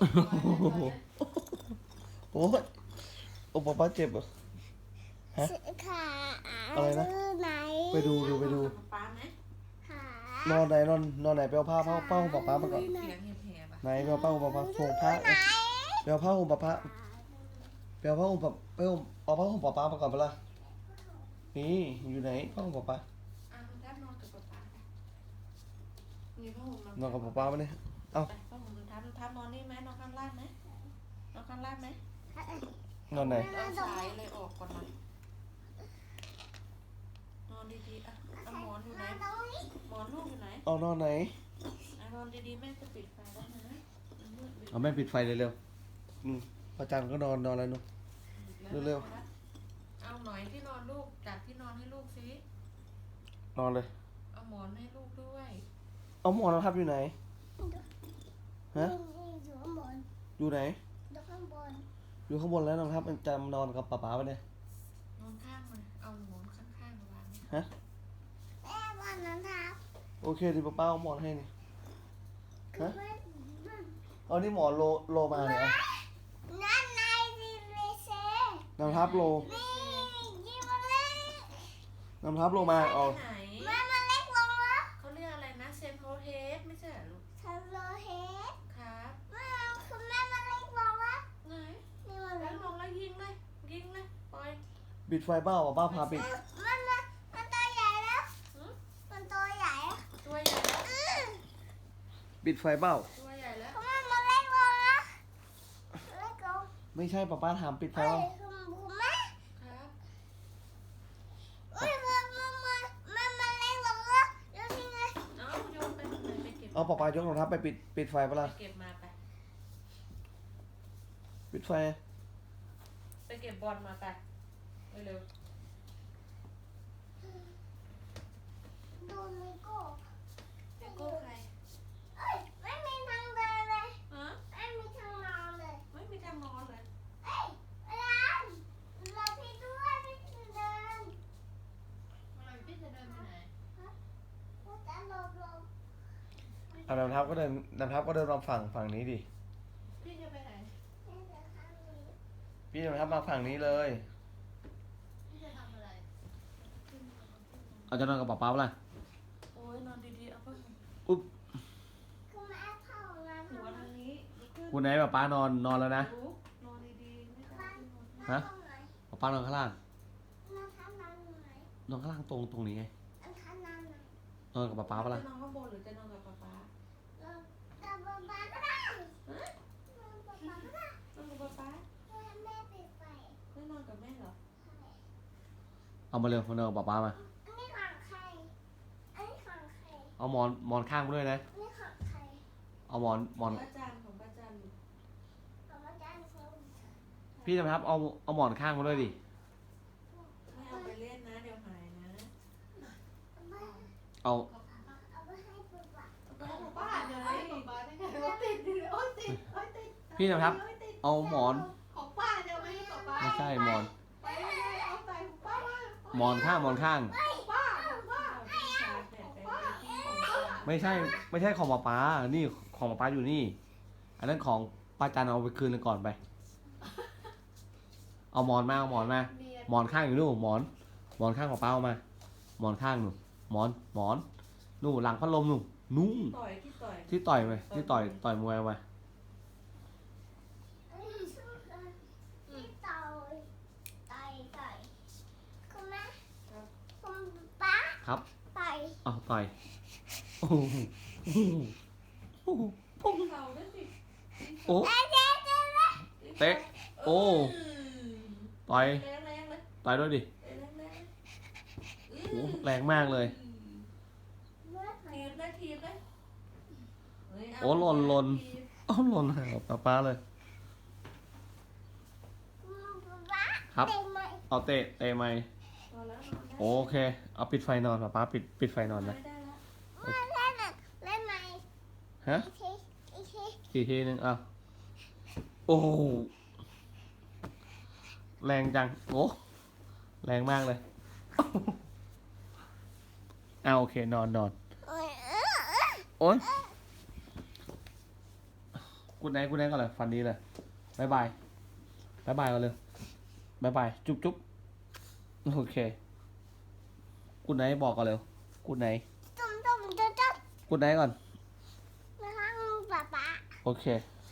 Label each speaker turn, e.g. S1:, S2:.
S1: โอ้ยโอ้ป๊าเจ็บเหรอฮะอะไรนะไปดูไปดู
S2: ป๊าไหม
S1: นอนไหนนอนไหนไปเอาผ้าห่มป๊ามาก่อน
S2: เสียงแหบๆอ่ะ
S1: ไหนไปเอาผ้าห่มป๊าห่มผ้าไปเอาผ้าห่มป๊าไปเอาผ้าห่มป๊าไปเอาผ้าห่มป๊ามาก่อนไปละนี่อยู่ไหนผ้าห่มป๊า
S2: คุณทับนอนกับป๊ามีผ้าห่ม
S1: นอนกับป๊ามาเนี่ยเอ้า
S2: ผ้าห่มคุณทับนอนนี่ไหมนอนข้างล่างไหมนอนข้างล่างไหม
S1: นอนไหน
S2: เอาสายเลยออกก่อนหน่อยนอนดีๆอ่ะเอาหมอนอยู่ไหนหมอนลูกอยู่ไหน
S1: เอานอนไหน
S2: นอนดีๆแม่จะปิดไฟแล้วนะ
S1: เอาแม่ปิดไฟเร็วๆประจันก็นอนแล้วนุ๊กเร็ว
S2: เอาหน่อยที่นอนลูกจัดที่นอนให้ลูกสิ
S1: นอนเลย
S2: เอาหมอนให้ลูกด้วย
S1: เอาหมอนทับอยู่ไหนฮะอยู่ไหนอยู่ข้างบนแล้วน้องทับมันจะนอนกับป๊าไปเนี่ย
S2: นอนข้างมันเอาหมอนข้างๆมาวาง
S1: ฮะโอเคดิป๊าเอาหมอนให้นี่ฮะเอานี่หมอนโลมาเนี่ยน้ำทับโลน้ำทับโลมาเอา
S2: ไหนเขาเรียกอะไรนะเซนโฮเฮดไม่ใช่ลูกครับไหนแล้วลงแล้วยิงเลยปล่อย
S1: ปิดไฟเบ้าป๊าพาปิด
S2: ตัวใหญ่แล้ว
S1: ปิดไฟเบ้า
S2: ตัวใหญ่แล้ว
S1: ไม่ใช่ป๊าถามปิดไฟเบ้า
S2: ครับเอาโยนไปตรงไหนไปเก็บ
S1: เอาป๊ายกรองเท้าไปปิดไฟปะล่ะ
S2: ไปเก็บมาไป
S1: ปิดไฟ
S2: ไปเก็บบอลมาไปเร็วเลโก้ใครไม่มีทางนอนเลยพี่จะเดินไปไหน
S1: น้ำทับก็เดินมาฝั่งนี้ดิ
S2: พี่จะไปไหน
S1: พี่น้ำทับมาฝั่งนี้เลย
S2: พี่จะทำอะไร
S1: เอาจะนอนกับป๊าปะล่ะ
S2: โอ้ยนอนดีๆเอาเพิ่ม
S1: อุ๊บ
S2: หัวทางนี้
S1: คุณไหนป๊านอนแล้วนะ
S2: นอนดีๆไม่ต้อง
S1: ฮะป๊านอนข้างล่างนอนข้างล่างตรงนี้ไงนอนกับป๊าปะล่ะ
S2: จะนอนข้างบนหรือจะนอนกับป๊านอนกับป๊าไม่นอนกับแม่เหรอ
S1: เอามาเร็วมานอนกับป๊ามาเอาหมอนข้างมาด้วยนะเอาหมอน
S2: ของป้าจัน
S1: พี่นะครับเอาหมอนข้างมาด้วยดิ
S2: ไม่เอาไปเล่นนะเดี๋ยวหายนะ
S1: เอา
S2: ป้าเดี๋ยวติด
S1: พี่นะครับเอาหมอน
S2: ของป้าเดี๋ยวไม่ให้ป้า
S1: ไม่ใช่หมอน
S2: เอาใส่ของป้า
S1: หมอนข้าง
S2: ป้า
S1: ไม่ใช่ของป๊านี่ของป๊าอยู่นี่อันนั้นของป้าจันเอาไปคืนก่อนไปเอาหมอนมาหมอนข้างอยู่นู่นหมอนข้างของป้าเอามาหมอนข้างนู่นหมอนนู่นหลังพัดลมนู่นที่ต่อยไปที่ต่อยมวยมาครับเอาต่อยโอ้โอ้เตะโอ้ต่อยด้วยดิโอ้แรงมากเลยโอ้หล่นเอาหล่นหาป๊าเลยครับเอาเตะไหมโอเคเอาปิดไฟนอนป๊าปิดไฟนอนนะฮะอีกทีนึงอ่ะโอ้แรงจังโอ้แรงมากเลยโอเคนอนโอ้ยโกูดไนท์ก่อนเลยฟันดีเลยบายบายบายบายก่อนเลยบายบายจุ๊บจุ๊บโอเคกูดไนท์บอกก่อนเร็วกูดไนท์
S3: จุ่มจุ่มจุ่มจุ่ม
S1: กูดไนท์ก่อน
S3: นะคะป๊าป๊า
S1: โอเค